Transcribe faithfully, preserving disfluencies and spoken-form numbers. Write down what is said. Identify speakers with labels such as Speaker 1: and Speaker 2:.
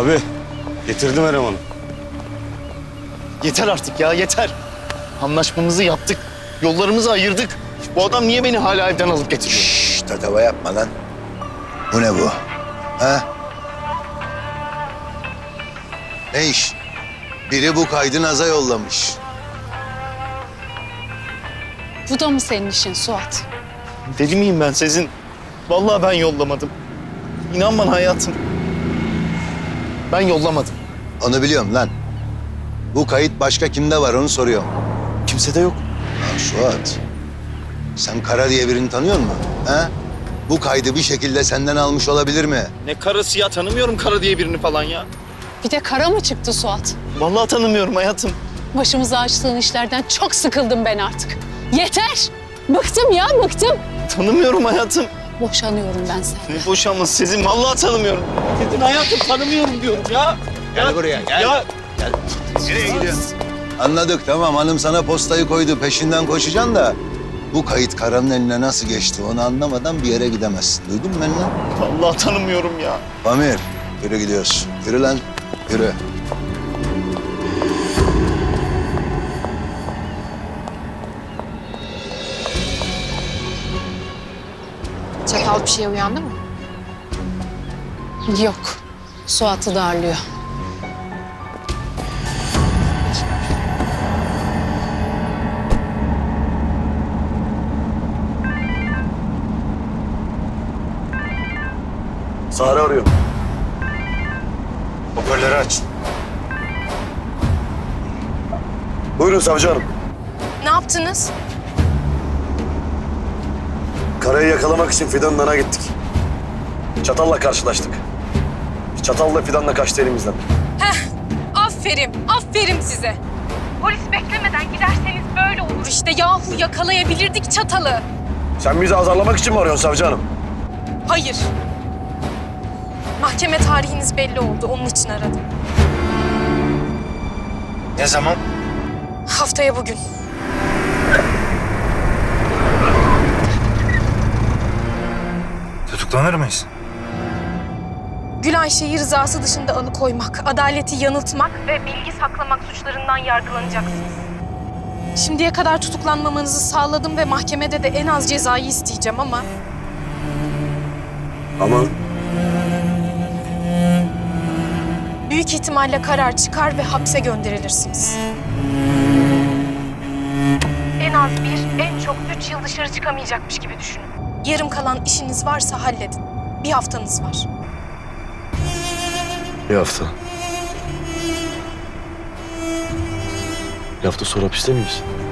Speaker 1: Abi getirdim elemanı.
Speaker 2: Yeter artık ya, yeter. Anlaşmamızı yaptık, yollarımızı ayırdık. Bu adam niye beni hala evden alıp getiriyor?
Speaker 3: Şşş, tatava yapma lan. Bu ne bu? Ha? Ne iş? Biri bu kaydı Naz'a yollamış.
Speaker 4: Bu da mı senin işin Suat?
Speaker 2: Deli miyim ben Sezin? Vallahi ben yollamadım. İnan bana hayatım. Ben yollamadım.
Speaker 3: Onu biliyorum lan. Bu kayıt başka kimde var onu soruyorum.
Speaker 2: Kimse de yok.
Speaker 3: Lan Suat, sen Kara diye birini tanıyor musun? Ha? Bu kaydı bir şekilde senden almış olabilir mi?
Speaker 2: Ne karısı ya, tanımıyorum Kara diye birini falan ya.
Speaker 4: Bir de kara mı çıktı Suat?
Speaker 2: Vallahi tanımıyorum hayatım.
Speaker 4: Başımıza açtığın işlerden çok sıkıldım ben artık. Yeter! Bıktım ya, bıktım.
Speaker 2: Tanımıyorum hayatım.
Speaker 4: Boşanıyorum ben senden.
Speaker 2: Ne boşanması Sezin, vallahi tanımıyorum. Sezin hayatım, tanımıyorum diyorum ya.
Speaker 3: Gel
Speaker 2: Ya-
Speaker 3: buraya, gel.
Speaker 2: Ya
Speaker 3: Nereye gidiyorsun? Anladık tamam, hanım sana postayı koydu, peşinden koşacaksın da... ...bu kayıt Kara'nın eline nasıl geçti onu anlamadan bir yere gidemezsin. Duydun mu beni lan?
Speaker 2: vallahi tanımıyorum ya.
Speaker 3: Pamir, yürü gidiyoruz. Yürü lan, yürü.
Speaker 5: Çatal bir şeye uyandı mı?
Speaker 4: Yok, Suat'ı darlıyor.
Speaker 1: Sare arıyorum. Hoparlörü aç. Buyurun savcı hanım.
Speaker 5: Ne yaptınız?
Speaker 1: Karayı yakalamak için Fidan'ın yanına gittik. Çatalla karşılaştık. Çatalla Fidan'la kaçtı elimizden.
Speaker 6: Heh, aferin, aferin size. Polis beklemeden giderseniz böyle olur işte. Yahu yakalayabilirdik çatalı.
Speaker 1: Sen bizi azarlamak için mi arıyorsun savcı hanım?
Speaker 6: Hayır. Mahkeme tarihiniz belli oldu, onun için aradım.
Speaker 1: Ne zaman?
Speaker 6: Haftaya bugün.
Speaker 7: Tutuklanır mıyız?
Speaker 6: Gül Ayşe'yi rızası dışında alıkoymak, adaleti yanıltmak ve bilgi saklamak suçlarından yargılanacaksınız. Şimdiye kadar tutuklanmamanızı sağladım ve mahkemede de en az cezayı isteyeceğim ama...
Speaker 1: Ama
Speaker 6: büyük ihtimalle karar çıkar ve hapse gönderilirsiniz. En az bir, en çok üç yıl dışarı çıkamayacakmış gibi düşünün. Yarım kalan işiniz varsa halledin. Bir haftanız var.
Speaker 1: bir hafta. Bir hafta sonra hapiste miyiz?